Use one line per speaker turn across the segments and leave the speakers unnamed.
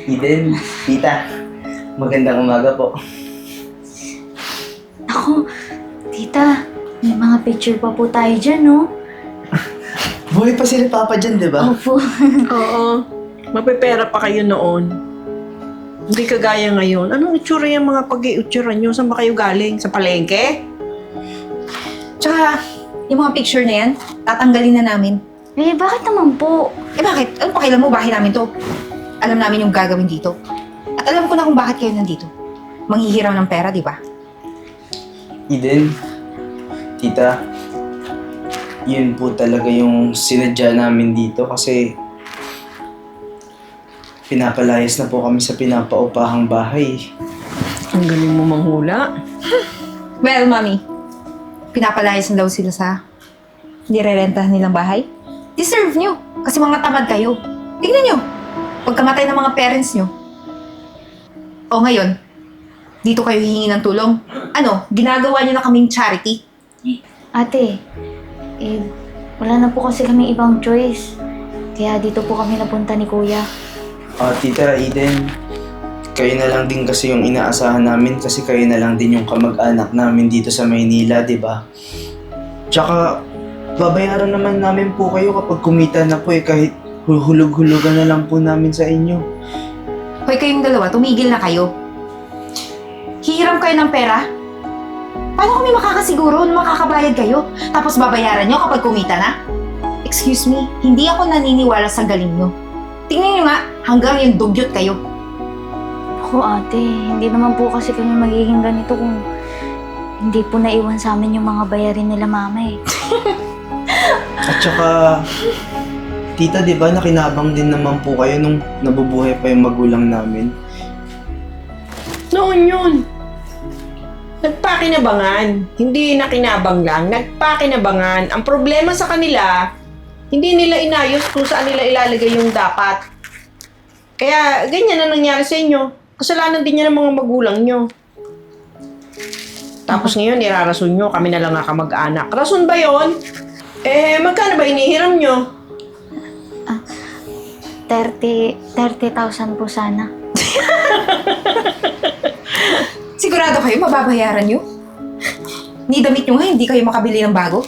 Eden, tita, magandang umaga po.
Ako, tita, may mga picture pa po tayo dyan, no?
Buhay pa sila Papa dyan, di ba?
Opo.
Oo. Mapipera pa kayo noon. Hindi kagaya ngayon. Anong itsura yung mga pag-iutsura nyo? Saan ba kayo galing? Sa palengke?
Tsaka, yung mga picture na yan, tatanggalin na namin.
Eh, bakit naman po?
Eh bakit? Anong pakialam mo? Bahay namin to. Alam namin yung gagawin dito. At alam ko na kung bakit kayo nandito. Manghihiraw ng pera, di ba?
Eden, tita, yun po talaga yung sinadya namin dito kasi pinapalayas na po kami sa pinapaupahang bahay.
Ang galing mo manghula.
Well, mami, pinapalayas na daw sila sa nirerentahan nilang bahay. Deserve nyo, kasi mga tamad kayo. Tignan nyo, pagkamatay ng mga parents nyo. O ngayon, dito kayo hihingi ng tulong. Ano, ginagawa nyo na kaming charity.
Ate, eh, wala na po kasi kaming ibang choice. Kaya dito po kami napunta ni Kuya.
Tita Eden, kayo na lang din kasi yung inaasahan namin kasi kayo na lang din yung kamag-anak namin dito sa Maynila, di ba? Tsaka, babayaran naman namin po kayo kapag kumita na po kahit hulug-hulugan na lang po namin sa inyo.
Hoy, kayong dalawa, tumigil na kayo. Hihiram kayo ng pera? Paano kami makakasiguro na makakabayad kayo? Tapos babayaran nyo kapag kumita na? Excuse me, hindi ako naniniwala sa galing nyo. Tingnan nyo nga, hanggang yung dugyot kayo.
Ako, ate, hindi naman po kasi kami magiging ganito kung hindi po naiwan sa amin yung mga bayarin nila mama eh.
At saka, tita, di ba nakinabang din naman po kayo nung nabubuhay pa yung magulang namin?
Noon yun. Nagpakinabangan. Hindi nakinabang lang. Nagpakinabangan. Ang problema sa kanila, hindi nila inayos kung saan nila ilalagay yung dapat. Kaya ganyan na nangyari sa inyo. Kasalanan din niya ng mga magulang nyo. Tapos ngayon, irarason nyo, kami na lang nga kamag-anak. Rason ba yon? Eh, magkano ba inihiram nyo?
30,000 po sana.
Sigurado kayo, mababayaran nyo? Ni damit nyo nga, hindi kayo makabili ng bago?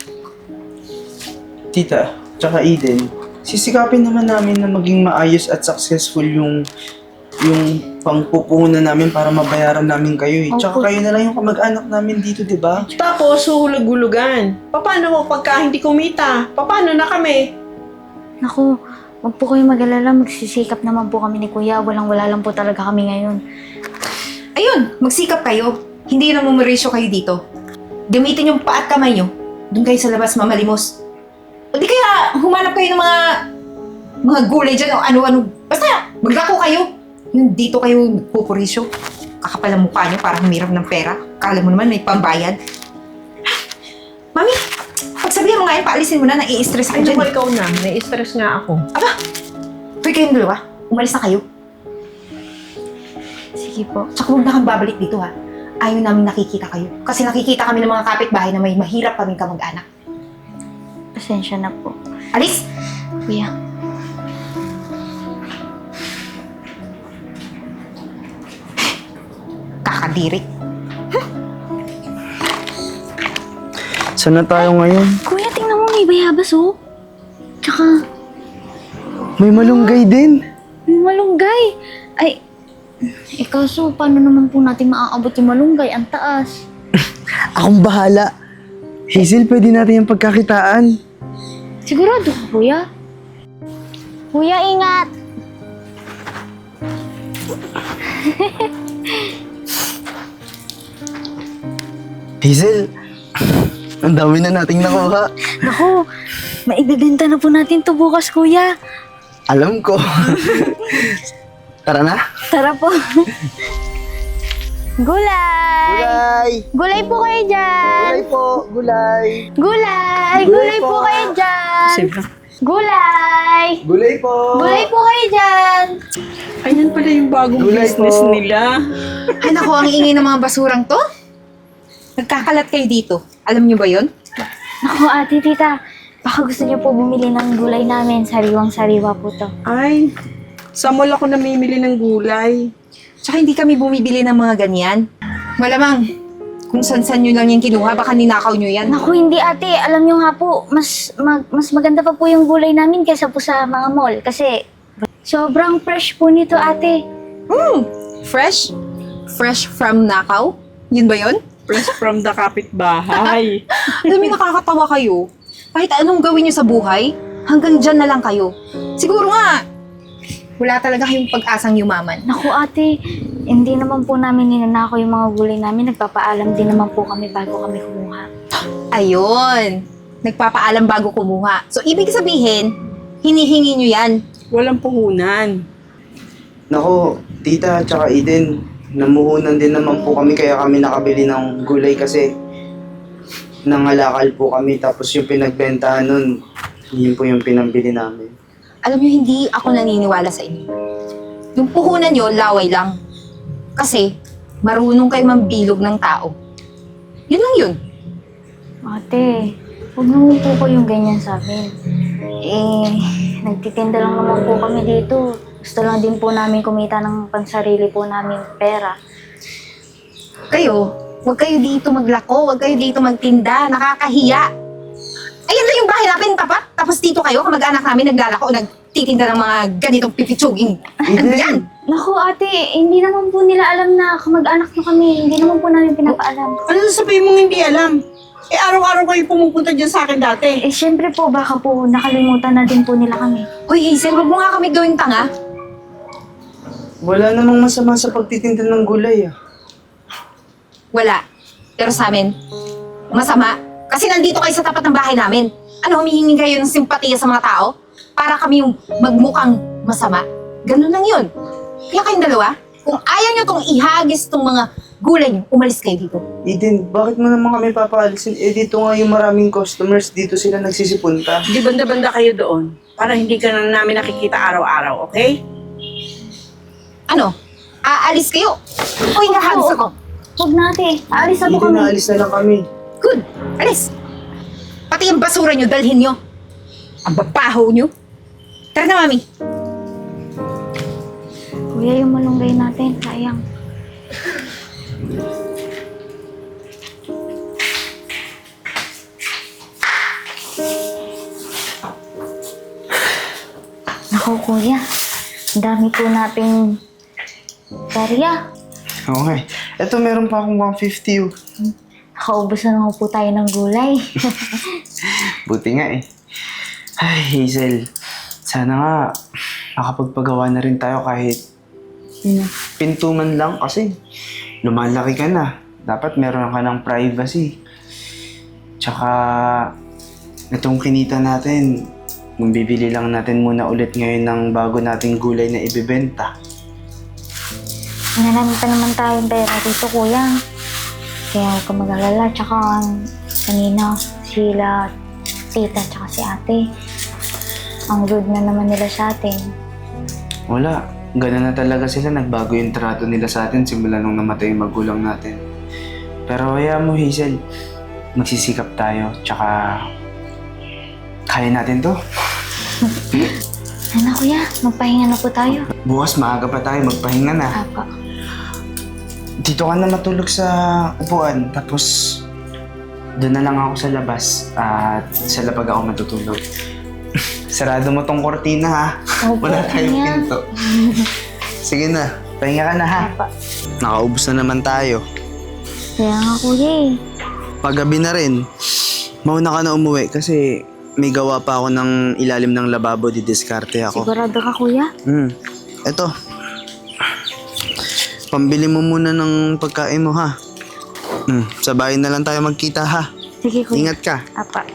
Tita, tsaka Eden, sisikapin naman namin na maging maayos at successful yung pangpupuhunan namin para mabayaran namin kayo eh. Tsaka
Opo.
kayo na lang yung kamag-anak namin dito, di ba?
Tapos, huhulog-hulugan. Paano mo pagka hindi kumita? Paano na kami?
Naku, wag po kayo mag-alala. Magsisikap naman po kami ni Kuya. Walang-wala lang po talaga kami ngayon.
Ayun, magsikap kayo. Hindi na mumerisyo kayo dito. Gamitin yung paa at kamay nyo. Doon kayo sa labas mamalimos. O di kaya humanap kayo ng mga gulay dyan o ano-ano. Basta, maglako kayo. Yung dito kayo pupurisyo. Kakapal ang mukha nyo para humirap ng pera. Kala mo naman may pambayad. Mami, pagsabihan mo nga yun, paalisin mo na, nai-stress ka
Ay,
dyan.
naku, ikaw na. Nai-stress nga ako.
Hoy kayong dalawa, umalis na kayo.
Sige po.
Tsaka huwag na kang babalik dito ha. Ayaw namin nakikita kayo. Kasi nakikita kami ng mga kapitbahay na may mahirap kaming kamag-anak.
Pasensya na po.
Alis!
Kuya.
Kakadiri.
Saan na tayo ngayon?
Kuya, tingnan mo, may bayabas oh. Tsaka,
May malunggay din.
may malunggay. Ay, kaso, paano naman po natin maaabot yung malunggay? Ang taas.
Akong bahala. Hazel, pwede natin yung pagkakitaan.
Sigurado ka, Kuya? Kuya, ingat!
Hazel, ang dami na nating nakuha.
Naku, maibibenta na po natin to bukas, Kuya.
Alam ko. Tara na.
Tara po. Gulay!
Gulay!
Gulay po kayo dyan!
Gulay po, gulay.
Gulay!
Gulay
Gulay po
po.
kayo dyan!
Sige.
Gulay!
Gulay po.
Gulay po kayo dyan!
Ayan pala yung bagong
Gulay
business
po.
nila.
Ay naku, ang ingay ng mga basurang to. Nagkakalat kayo dito. Alam niyo ba yon?
Naku, ate, tita. Baka gusto niyo po bumili ng gulay namin. Sariwang-sariwa po to.
Ay, Sa mall ako namimili ng gulay.
Tsaka hindi kami bumibili ng mga ganyan. Malamang, kung san-san nyo lang yung kinuha, baka ninakaw nyo yan.
Naku, hindi ate. Alam nyo nga po, mas maganda pa po yung gulay namin kaysa po sa mga mall. Kasi sobrang fresh po nito ate.
Fresh? Fresh from nakaw? Yun ba yun?
Fresh from the kapitbahay.
Alam mo, nakakatawa kayo. Kahit anong gawin nyo sa buhay, hanggang dyan na lang kayo. Siguro nga, wala talaga kayong pag-asang yumaman.
Naku ate, hindi naman po namin ninanakaw yung mga gulay namin. Nagpapaalam din naman po kami bago kami kumuha.
Ayun. Nagpapaalam bago kumuha. So, ibig sabihin, hinihingi nyo yan.
Walang puhunan.
Nako, tita, tsaka Eden, namuhunan din naman po kami kaya kami nakabili ng gulay kasi nangalakal po kami tapos yung pinagbentahan nun, yun po yung pinambili namin.
Alam nyo, hindi ako naniniwala sa inyo. Yung puhunan nyo, laway lang. Kasi, marunong kayo mambilog ng tao. Yun lang yun.
Ate, huwag naman po ko yung ganyan sa amin. Nagtitinda lang naman po kami dito. Gusto lang din po namin kumita ng pansarili po namin pera.
Kayo, huwag kayo dito maglako, huwag kayo dito magtinda, nakakahiya. Ayan na yung bahay namin, tapat. Tapos dito kayo, kamag-anak namin naglalako, nagtitinda ng mga ganitong pipitsuging. Ano yan?
Naku ate, hindi naman po nila alam na kamag-anak na kami. Hindi naman po namin pinapaalam.
Ano sasabihin mong hindi alam? Eh, araw-araw kayo pumupunta dyan sa akin dati.
Syempre po, baka po nakalimutan na din po nila kami.
Hoy Hazel, huwag mo nga kami gawing tanga.
Wala namang masama sa pagtitinda ng gulay ah.
Wala. Pero sa amin, masama. Kasi nandito kayo sa tapat ng bahay namin. Ano, humihingi kayo ng simpatiya sa mga tao? Para kami yung magmukhang masama? Ganun lang yun. Kaya kayong dalawa, kung ayaw nyo tong ihagis tong mga gulay nyo, umalis kayo dito.
Eden, bakit mo naman kami papaalisin? Eh dito nga yung maraming customers, dito sila nagsisipunta.
Di banda-banda kayo doon para hindi ka na namin nakikita araw-araw, okay?
Ano? Aalis kayo? Uy, nahagis ako.
Huwag na ate, aalis na po
Eden,
kami.
naalis na lang kami.
Good. Alis. Pati yung basura nyo, dalhin nyo. Ang babaho nyo. Tara na, mami.
Kuya, yung malunggay natin, sayang. Naku kuya, ang dami po nating barya.
Oo nga eh. Eto, meron pa akong 150 oh.
Nakaubos na naman po tayo ng gulay.
Buti nga eh. Ay, Hazel. Sana nga makapagpagawa na rin tayo kahit pinto man lang kasi lumalaki ka na. Dapat meron ka ng privacy. Tsaka itong kinita natin, bibili lang natin muna ulit ngayon ng bago nating gulay na ibibenta.
Marami pa naman tayong pera dito kuya. Kaya huwag ka mag-alala. Tsaka kanina sila, tita, tsaka si ate. Ang rude na naman nila sa atin.
Wala. Ganun na talaga sila. Nagbago yung trato nila sa atin simula nung namatay yung magulang natin. Pero hayaan mo, Hazel. Magsisikap tayo. Tsaka kaya natin to.
Ano kuya, magpahinga na po tayo.
Bukas maaga pa tayo. Magpahinga na.
Apa.
Dito ka na matulog sa upuan. Tapos doon na lang ako sa labas. At sa labag ako matutulog. Sarado mo tong kortina ha.
Opo,
Wala tayong
kuya.
pinto. Sige na. Pahinga ka na ha.
Apa.
Nakaubos na naman tayo.
Kaya nga kuya eh.
Paggabi na rin, mauna ka na umuwi kasi may gawa pa ako ng ilalim ng lababo, didiskarte ako.
Sigurado ka kuya?
Eto. Pambili mo muna ng pagkain mo ha. Sa bahay na lang tayo magkita ha.
Sige kuya.
Ingat ka.
Apa.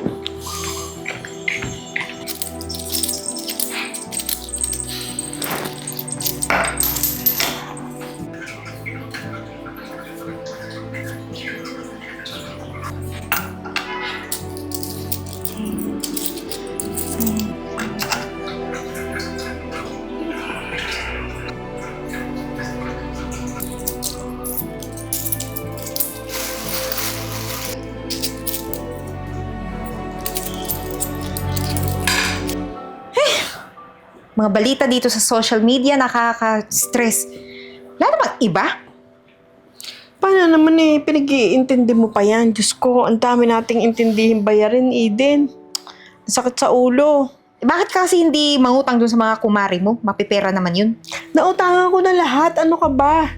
mga balita dito sa social media, nakaka-stress. Wala namang iba.
Paano naman pinag-iintindi mo pa yan? Diyos ko, ang dami nating intindihin bayarin, Eden. Ang sakit sa ulo.
Bakit kasi hindi mangutang dun sa mga kumari mo? Mapipera naman yun.
Nautangan ko na lahat. Ano ka ba?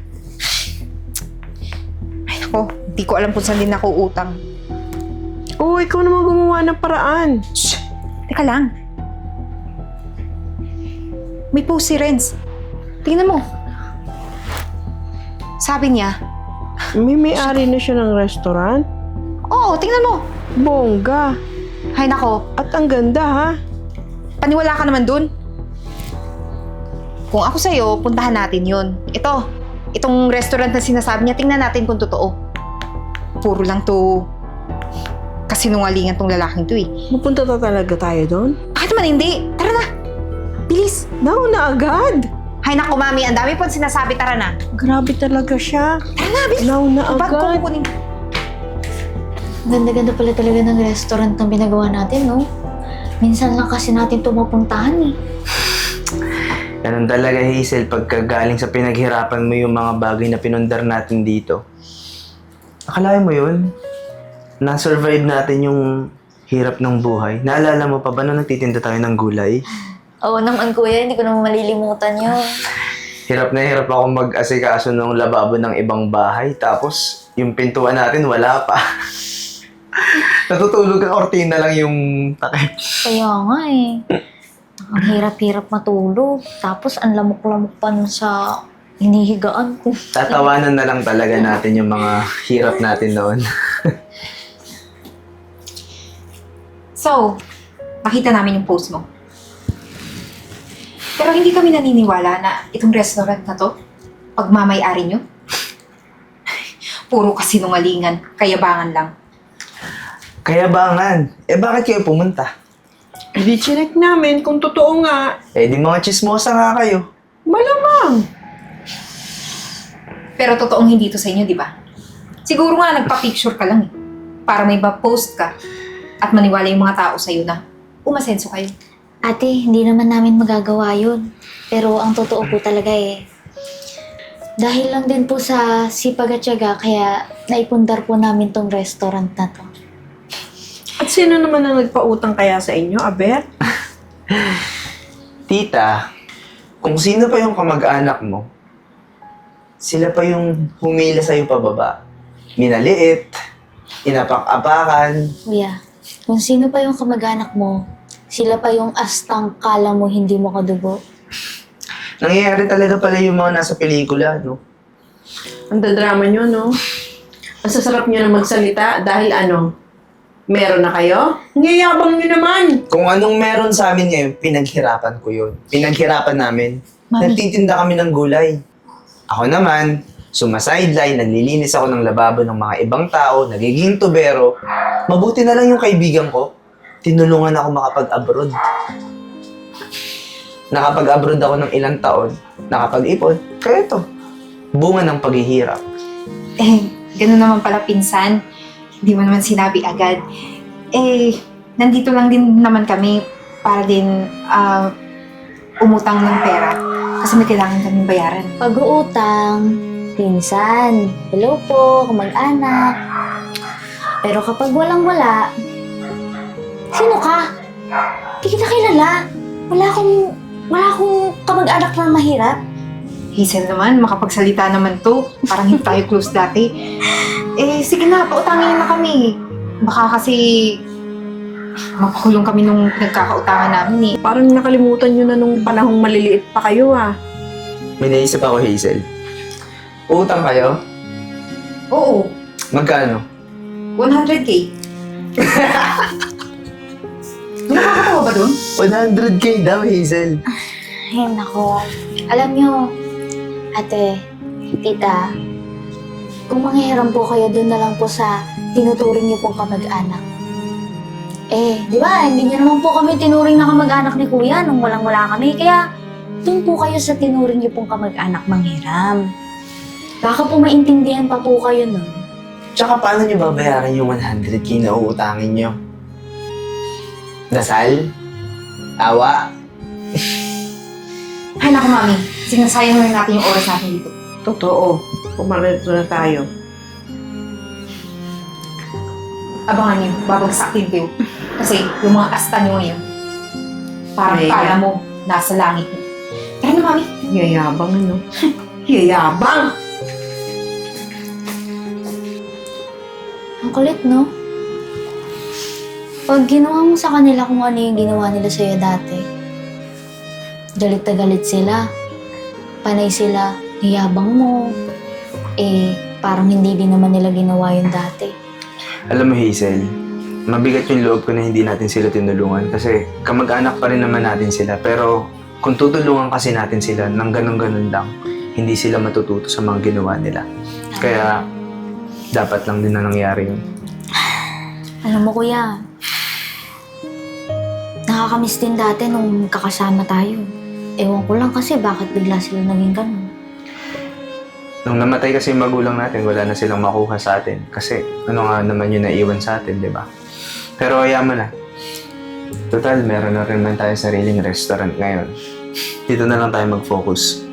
Ay nako, hindi ko alam kung saan din ako utang.
Oo, ikaw naman gumawa ng paraan.
Shh! Teka lang. May post si Renz. Tingnan mo. Sabi niya,
May-ari na siya ng restaurant.
oo, tingnan mo.
Bongga.
Hay nako,
At ang ganda, ha?
paniwala ka naman dun. Kung ako sa'yo, puntahan natin yun. Itong restaurant na sinasabi niya, tingnan natin kung totoo. Puro lang to kasinungalingan tong lalaking to eh.
Pupunta talaga tayo doon?
Bakit naman hindi? Tara na! Bilis!
Nauna agad.
Hay nako, mami, ang dami pong sinasabi, tara na.
Grabe talaga siya.
Tara na, bilis!
Nauna
Bag ko
agad.
kukunin.
Ganda-ganda pala talaga ng restaurant na binagawa natin, no? Minsan lang kasi natin ito mapuntahan eh.
Ganun talaga, Hazel, pagka galing sa pinaghirapan mo yung mga bagay na pinundar natin dito. Akalain mo yun? Na-survive natin yung hirap ng buhay. Naalala mo pa ba nung nagtitinda tayo ng gulay?
Oo naman kuya, hindi ko naman malilimutan yun.
Hirap na hirap ako mag-asikaso ng lababo ng ibang bahay. Tapos, yung pintuan natin, wala pa. Natutulog ang ortina lang yung takip.
Kaya nga eh. Ang hirap-hirap matulog. Tapos ang lamok-lamok pa nun sa hinihigaan ko.
Tatawanan na lang talaga natin yung mga hirap natin noon.
So, nakita namin yung post mo. Pero hindi kami naniniwala na itong restaurant na to, pagmamay-ari nyo. Puro kasinungalingan, kayabangan lang.
Kayabangan. Bakit kayo pumunta?
Hindi chinek namin kung totoo nga.
Di mga chismosa nga kayo.
Malamang.
Pero totoong hindi to sa inyo, di ba? Siguro nga nagpa-picture ka lang eh. Para may post ka at maniwala yung mga tao sa'yo na umasenso kayo.
Ate, hindi naman namin magagawa yun. Pero ang totoo po talaga eh. Dahil lang din po sa sipag at tiyaga, kaya naipundar po namin tong restaurant na to.
At sino naman ang nagpautang kaya sa inyo, Aber?
Tita, kung sino pa yung kamag-anak mo, sila pa yung humila sa'yo pababa. Minaliit, inapak-apakan.
Kuya, kung sino pa yung kamag-anak mo, sila pa yung astang kala mo hindi mo kadugo.
Nangyayari talaga pala yung mga nasa pelikula, no?
Ang dadrama nyo, no? Ang sasarap nyo na magsalita dahil meron na kayo? Ngayabang nyo naman!
Kung anong meron sa amin ngayon, pinaghirapan ko yun. Pinaghirapan namin.
Mami.
Nagtitinda kami ng gulay. Ako naman, sumasideline, naglilinis ako ng lababo ng mga ibang tao, nagiging tubero. Mabuti na lang yung kaibigan ko. Tinulungan ako makapag-abroad. Nakapag-abroad ako ng ilang taon, nakapag-ipon. Kaya ito, bunga ng paghihirap.
Ganun naman pala pinsan. Hindi mo naman sinabi agad. Nandito lang din naman kami para din umutang ng pera. Kasi may kailangan kaming bayaran.
Pag-uutang, pinsan, hello po, kamag-anak. Pero kapag walang-wala, sino ka? Di kita kilala. Wala akong kamag-anak na mahirap.
Hazel naman, makapagsalita naman to. Parang hindi tayo close dati. Sige na, pautangin na kami. Baka kasi mapakulong kami nung nagkakautangan namin eh.
Parang nakalimutan nyo na nung panahong maliliit pa kayo,
May naisip ako, Hazel. Utang kayo?
Oo,
Magkano?
100K. May nakakatawa ba dun?
100K daw, Hazel.
Ay, nako. Alam nyo, ate, tita, kung manghihiram po kayo, doon na lang po sa tinuturing niyo pong kamag-anak. Di ba, hindi niyo naman po kami tinuring na kamag-anak ni kuya nung walang-wala kami. Kaya, doon po kayo sa tinuring niyo pong kamag-anak manghiram. Baka po maintindihan pa po kayo nun.
Tsaka paano nyo babayaran yung 100K na uutangin nyo? Dasal? Awa?
Ay, naku, Mami. Sinasayang lang natin yung oras natin dito.
Totoo. Pumarito na tayo.
Abangan niyo, babagsak din kayo. Kasi yung mga asta niyo ngayon, parang
Ay,
kala mo, nasa langit niyo. Tara na, Mami.
Yayabang, ano? Yayabang!
Ang kulit, no? Pag ginawa mo sa kanila kung ano yung ginawa nila sa'yo dati, galit na galit sila. Panay sila, hiyabang mo. Parang hindi din naman nila ginawa yung dati.
Alam mo, Hazel, mabigat yung loob ko na hindi natin sila tinulungan kasi kamag-anak pa rin naman natin sila. Pero kung tutulungan kasi natin sila ng ganun-ganun lang, hindi sila matututo sa mga ginawa nila. Kaya dapat lang din na nangyari yun.
Alam mo, kuya, nakakamiss din dati nung kakasama tayo. Ewan ko lang kasi bakit bigla sila naging ganun.
Nung namatay kasi yung magulang natin, wala na silang makuha sa atin. Kasi ano nga naman yung naiwan sa atin, di ba? Pero kaya mo na. Total, meron na rin man tayo sariling restaurant ngayon. Dito na lang tayo mag-focus.